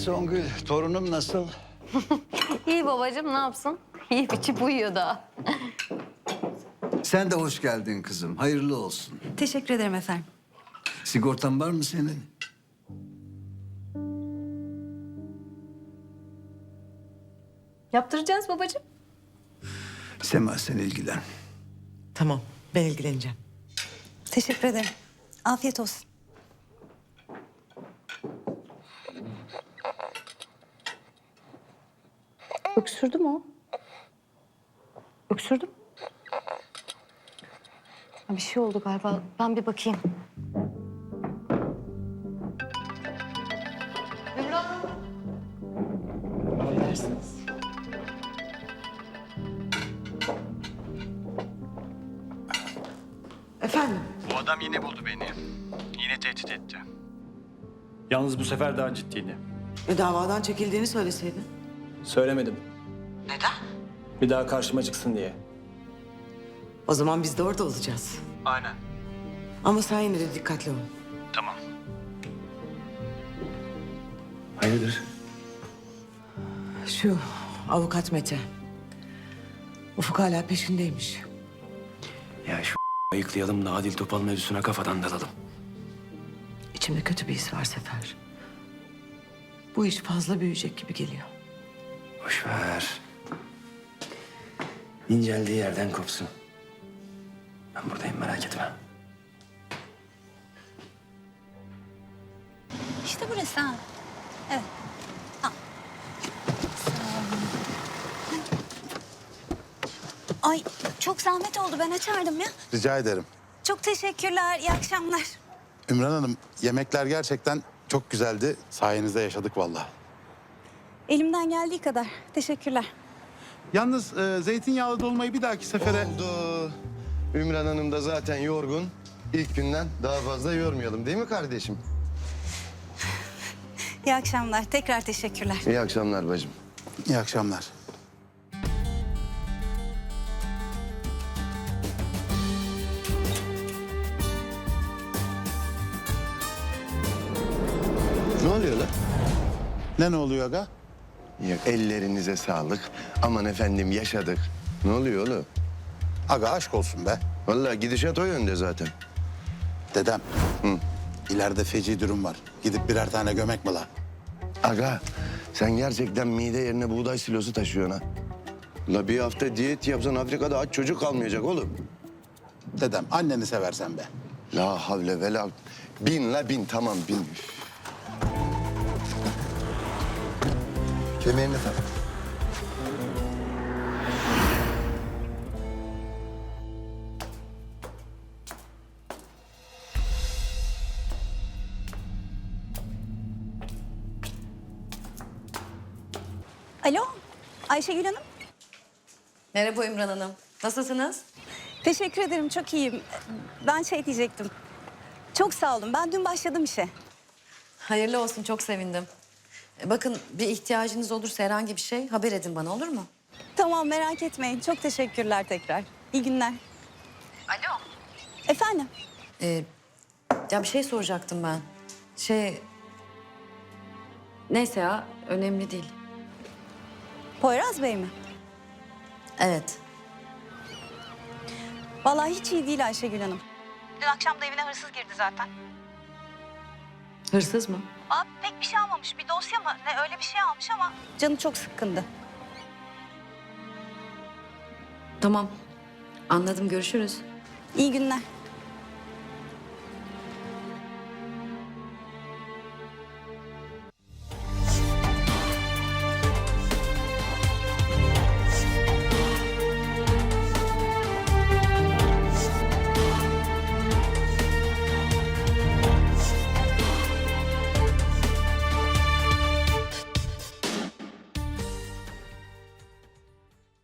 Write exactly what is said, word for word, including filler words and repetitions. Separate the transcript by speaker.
Speaker 1: Songül, torunum nasıl?
Speaker 2: İyi babacığım, ne yapsın? Yiyip içip uyuyor daha.
Speaker 1: Sen de hoş geldin kızım. Hayırlı olsun.
Speaker 3: Teşekkür ederim efendim.
Speaker 1: Sigortan var mı senin?
Speaker 2: Yaptıracağız babacığım.
Speaker 1: Sema sen ilgilen.
Speaker 4: Tamam, ben ilgileneceğim.
Speaker 3: Teşekkür ederim. Afiyet olsun.
Speaker 2: Öksürdü mü o? Öksürdüm. Bir şey oldu galiba. Ben bir bakayım.
Speaker 4: Affedersiniz. Efendim?
Speaker 5: Bu adam yine buldu beni. Yine tehdit etti. Yalnız bu sefer daha ciddiydi.
Speaker 4: E, davadan çekildiğini söyleseydin.
Speaker 5: Söylemedim.
Speaker 4: Neden?
Speaker 5: Bir daha karşıma çıksın diye.
Speaker 4: O zaman biz de orada olacağız.
Speaker 5: Aynen.
Speaker 4: Ama sen yine de dikkatli ol.
Speaker 5: Tamam. Hayırdır?
Speaker 4: Şu avukat Mete. Ufuk hala peşindeymiş.
Speaker 5: Ya şu ayıklayalım da Adil Topal mevzusuna kafadan dalalım.
Speaker 4: İçimde kötü bir his var Sefer. Bu iş fazla büyüyecek gibi geliyor.
Speaker 5: Boş ver. İnceldiği yerden kopsun. Ben buradayım, merak etme.
Speaker 3: İşte burası ha. Evet. Al. Sağ olun. Ay çok zahmet oldu. Ben açardım ya.
Speaker 6: Rica ederim.
Speaker 3: Çok teşekkürler. İyi akşamlar.
Speaker 6: Ümran Hanım, yemekler gerçekten çok güzeldi. Sayenizde yaşadık vallahi.
Speaker 3: Elimden geldiği kadar. Teşekkürler.
Speaker 6: Yalnız e, zeytinyağlı dolmayı bir dahaki sefere...
Speaker 7: Oldu. Ümran Hanım da zaten yorgun. İlk günden daha fazla yormayalım değil mi kardeşim?
Speaker 3: İyi akşamlar. Tekrar teşekkürler.
Speaker 7: İyi akşamlar bacım.
Speaker 6: İyi akşamlar.
Speaker 7: Ne oluyor lan?
Speaker 6: Ne ne oluyor aga?
Speaker 7: Yok, ellerinize sağlık. Aman efendim yaşadık. Ne oluyor oğlum?
Speaker 6: Aga aşk olsun be.
Speaker 7: Vallahi gidişat o yönde zaten.
Speaker 6: Dedem,
Speaker 7: Hı.
Speaker 6: ileride feci durum var. Gidip birer tane gömek mi la?
Speaker 7: Aga sen gerçekten mide yerine buğday silosu taşıyorsun ha. La bir hafta diyet yapsan Afrika'da aç çocuk kalmayacak oğlum.
Speaker 6: Dedem, anneni seversen be.
Speaker 7: La havle ve la... Bin la bin tamam bin. Üf. Kemerini tak.
Speaker 3: Alo. Ayşegül Hanım.
Speaker 2: Merhaba İmran Hanım. Nasılsınız?
Speaker 3: Teşekkür ederim. Çok iyiyim. Ben şey diyecektim. Çok sağ olun. Ben dün başladım işe.
Speaker 8: Hayırlı olsun, çok sevindim. E, Bakın bir ihtiyacınız olursa herhangi bir şey haber edin bana, olur mu?
Speaker 3: Tamam merak etmeyin. Çok teşekkürler tekrar. İyi günler. Alo. Efendim?
Speaker 8: E, ya bir şey soracaktım ben. Şey... Neyse ya, önemli değil.
Speaker 3: Poyraz Bey mi?
Speaker 8: Evet.
Speaker 3: Vallahi hiç iyi değil Ayşegül Hanım. Dün akşam da evine hırsız girdi zaten.
Speaker 8: Hırsız mı?
Speaker 3: Aa, pek bir şey almamış. Bir dosya mı? Ne öyle bir şey almış ama canı çok sıkkındı.
Speaker 8: Tamam. Anladım, görüşürüz.
Speaker 3: İyi günler.